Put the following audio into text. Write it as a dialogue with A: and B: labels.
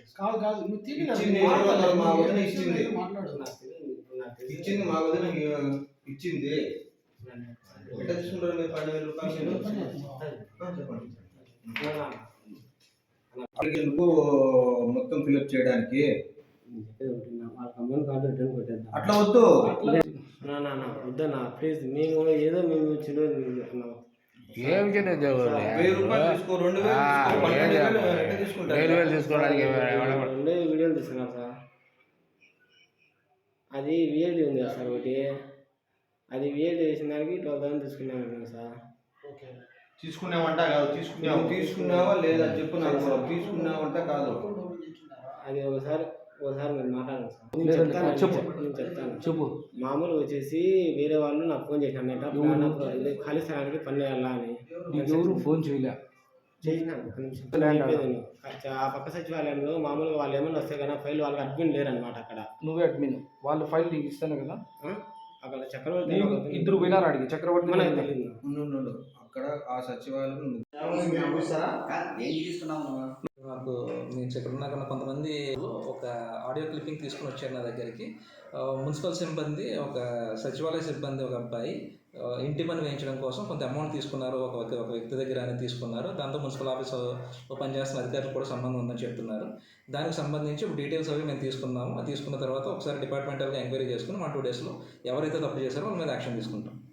A: కాదు కాదు నువ్వు
B: ఇచ్చింది మా వదిన ఇచ్చింది. ఇచ్చింది మా వదిన ఇచ్చింది. ఎట్లా తీసుకుంటారు మీరు 12,000 రూపాయలు? చెప్పండి. ఎందుకు మొత్తం ఫిల్అప్ చేయడానికి అట్లా వద్దు.
C: వద్దన్నా ప్లీజ్, మేము ఏదో మేము చిన్న
D: ఏం చేయలేదు
B: 1000 రూపాయలు తీసుకో, 2000
D: తీసుకోవడానికి
C: వీడియోలు తీసుకున్నాం సార్. అది విఐడి ఉంది కదా సార్ ఒకటి, అది విఐడి చేసిన దానికి 12,000 తీసుకున్నాను సార్.
B: తీసుకున్నావంట కాదు, తీసుకున్నావా లేదా చెప్పు నాకు. తీసుకున్నావంట కాదు,
C: అది ఒకసారి మీరు మాట్లాడండి సార్.
D: చెప్పు.
C: మామూలు వచ్చేసి వేరే వాళ్ళు నాకు ఫోన్ చేసినారట, ఖాళీ స్థలానికి పని చేయాలా అని.
D: ఎవరు ఫోన్ చేయలే?
C: ఆ పక్క సచివాలయంలో మామూలుగా వాళ్ళు ఏమన్నా వస్తే కదా ఫైల్ వాళ్ళకి అడ్మిన్ లేరనమాట అక్కడ.
D: నువ్వే అడ్మిన్, వాళ్ళు ఫైల్ నీకు ఇస్తాను కదా.
C: అక్కడ చక్రవర్తి
D: ఇద్దరు పోయినారు అడిగి. చక్రవర్తి
B: అక్కడ ఆ సచివాలయం
E: నాకు నేను ఇక్కడ కొంతమంది ఒక ఆడియో క్లిప్పింగ్ తీసుకుని వచ్చారు నా దగ్గరికి. మున్సిపల్ సిబ్బంది, ఒక సచివాలయ సిబ్బంది, ఒక అబ్బాయి ఇంటి పని వేయించడం కోసం కొంత అమౌంట్ తీసుకున్నారు, ఒక వ్యక్తి దగ్గర అనేది తీసుకున్నారు. దాంతో మున్సిపల్ ఆఫీస్లో పనిచేస్తున్న అధికారులు కూడా సంబంధం ఉందని చెప్తున్నారు. దానికి సంబంధించి డీటెయిల్స్ అవి మేము తీసుకున్నాము. అది తీసుకున్న తర్వాత ఒకసారి డిపార్ట్మెంటల్గా ఎంక్వైరీ చేసుకుని 1-2 డేస్లో ఎవరైతే తప్పు చేశారో వాళ్ళ మీద యాక్షన్ తీసుకుంటాం.